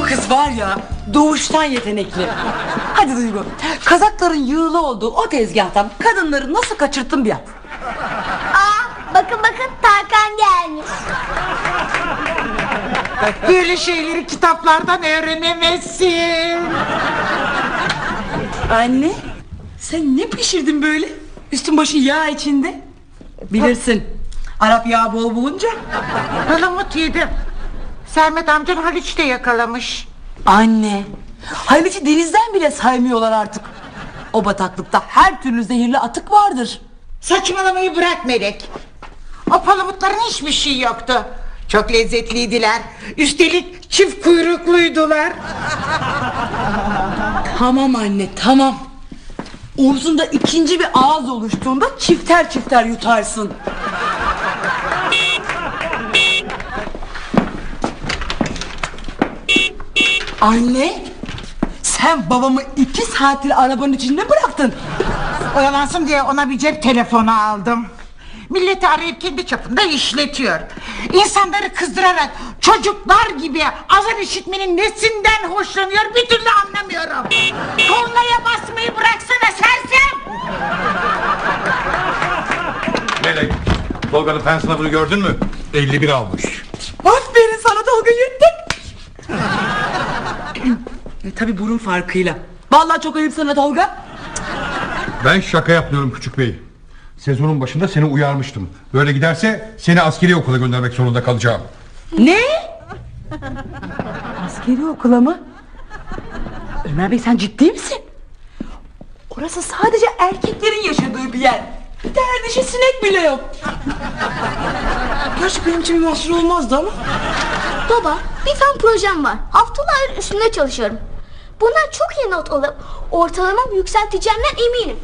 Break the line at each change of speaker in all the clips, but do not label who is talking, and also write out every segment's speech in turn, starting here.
Bu kız var ya, doğuştan yetenekli. Hadi Duygu, kazakların yığılı olduğu o tezgahtan kadınları nasıl kaçırttın bir yap.
Bakın Tarkan gelmiş.
Böyle şeyleri kitaplardan öğrenemezsin.
Anne, sen ne pişirdin böyle? Üstün başın yağ içinde. Bilirsin, Arap yağı bol bulunca.
Palamut yedim. Sermet amcan Haliç'te yakalamış.
Anne, Haliç'i denizden bile saymıyorlar artık. O bataklıkta her türlü zehirli atık vardır.
Saçmalamayı bırak Melek. O palamutların hiçbir şey yoktu. Çok lezzetliydiler. Üstelik çift kuyrukluydular.
Tamam anne, tamam. Omzunda ikinci bir ağız oluştuğunda çifter çifter yutarsın. Anne, sen babamı 2 saattir arabanın içinde bıraktın.
Oyalansın diye ona bir cep telefonu aldım. Milleti arayıp kendi çapında işletiyor. İnsanları kızdırarak çocuklar gibi azar işitmenin nesinden hoşlanıyor bir türlü anlamıyorum. Kornaya basmayı bıraksana sersem.
Melek, Tolga'nın fen sınavını gördün mü? 51 almış.
Aferin sana Tolga, yettin. Tabii burun farkıyla. Vallahi çok ayıp sana Tolga.
Ben şaka yapmıyorum küçük bey. Sezonun başında seni uyarmıştım. Böyle giderse seni askeri okula göndermek zorunda kalacağım.
Ne? Askeri okula mı? Ömer Bey, sen ciddi misin? Orası sadece erkeklerin yaşadığı bir yer. Bir tane dişi sinek bile yok. Gerçi benim için bir mahsur olmazdı ama.
Baba, bir fen projem var. Haftalar üstünde çalışıyorum. Bundan çok iyi not alıp ortalamamı yükselteceğimden eminim.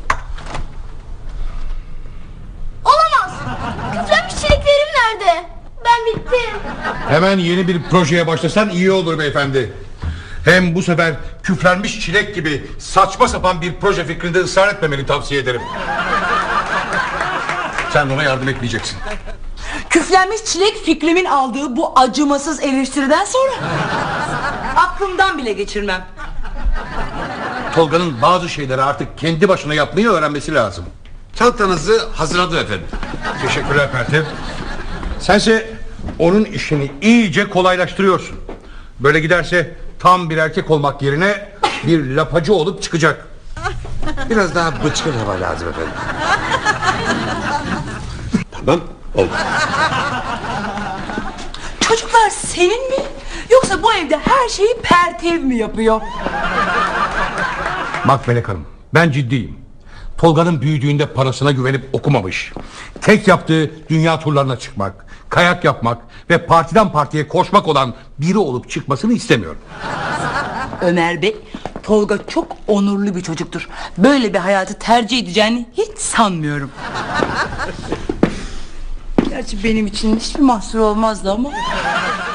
Olamaz. Küflenmiş çileklerim nerede? Ben bittim.
Hemen yeni bir projeye başlasan iyi olur beyefendi. Hem bu sefer küflenmiş çilek gibi saçma sapan bir proje fikrinde ısrar etmemeni tavsiye ederim. Sen ona yardım etmeyeceksin.
Küflenmiş çilek fikrimin aldığı bu acımasız eleştiriden sonra aklımdan bile geçirmem.
Tolga'nın bazı şeyleri artık kendi başına yapmayı öğrenmesi lazım.
Çantanızı hazırladım efendim.
Teşekkürler Pertev. Sense onun işini iyice kolaylaştırıyorsun. Böyle giderse tam bir erkek olmak yerine bir lapacı olup çıkacak.
Biraz daha bıçkın hava lazım efendim. Tamam, oldu.
Çocuklar senin mi? Yoksa bu evde her şeyi Pertev mi yapıyor?
Bak Melek Hanım, ben ciddiyim. Tolga'nın büyüdüğünde parasına güvenip okumamış. Tek yaptığı dünya turlarına çıkmak, kayak yapmak ve partiden partiye koşmak olan biri olup çıkmasını istemiyorum.
Ömer Bey, Tolga çok onurlu bir çocuktur. Böyle bir hayatı tercih edeceğini hiç sanmıyorum. Gerçi benim için hiçbir mahsur olmazdı ama.